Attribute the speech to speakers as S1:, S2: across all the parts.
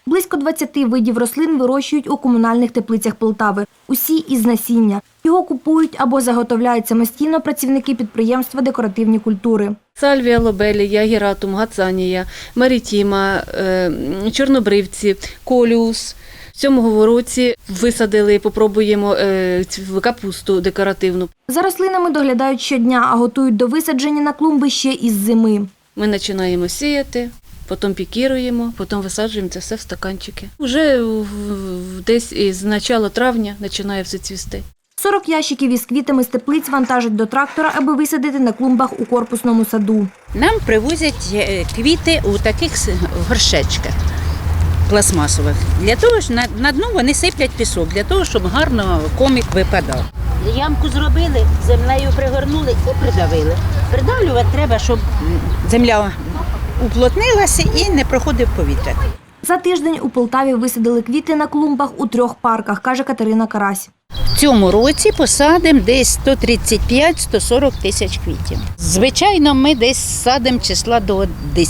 S1: Близько 20 видів рослин вирощують у комунальних теплицях Полтави. Усі із насіння. Його купують або заготовляють самостійно працівники підприємства «Декоративні культури».
S2: Сальвія, лобелія, гератум, гацанія, марітіма, чорнобривці, коліус. В цьому році висадили, попробуємо капусту декоративну.
S1: За рослинами доглядають щодня, а готують до висадження на клумби ще із зими.
S2: Ми починаємо сіяти, потім пікіруємо, потім висаджуємо це все в стаканчики. Уже десь із початку травня починає все цвісти.
S1: 40 ящиків із квітами з теплиць вантажать до трактора, аби висадити на клумбах у корпусному саду.
S3: Нам привозять квіти у таких горшечках пластмасових. Для того ж на дно вони сиплять пісок, для того, щоб гарно комік випадав. Ямку зробили, землею пригорнули і придавили. Придавлювати треба, щоб земля уплотнилася і не проходив повітря.
S1: За тиждень у Полтаві висадили квіти на клумбах у 3 парках, каже Катерина Карась.
S3: В цьому році посадимо десь 135-140 тисяч квітів. Звичайно, ми десь садимо числа до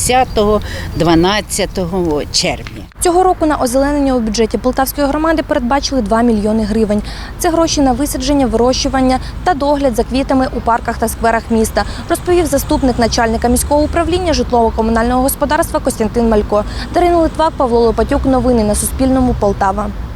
S3: 10-12 червня.
S1: Цього року на озеленення у бюджеті Полтавської громади передбачили 2 мільйони гривень. Це гроші на висадження, вирощування та догляд за квітами у парках та скверах міста, розповів заступник начальника міського управління житлово-комунального господарства Костянтин Малько. Дарина Литвак, Павло Лопатюк. Новини на Суспільному. Полтава.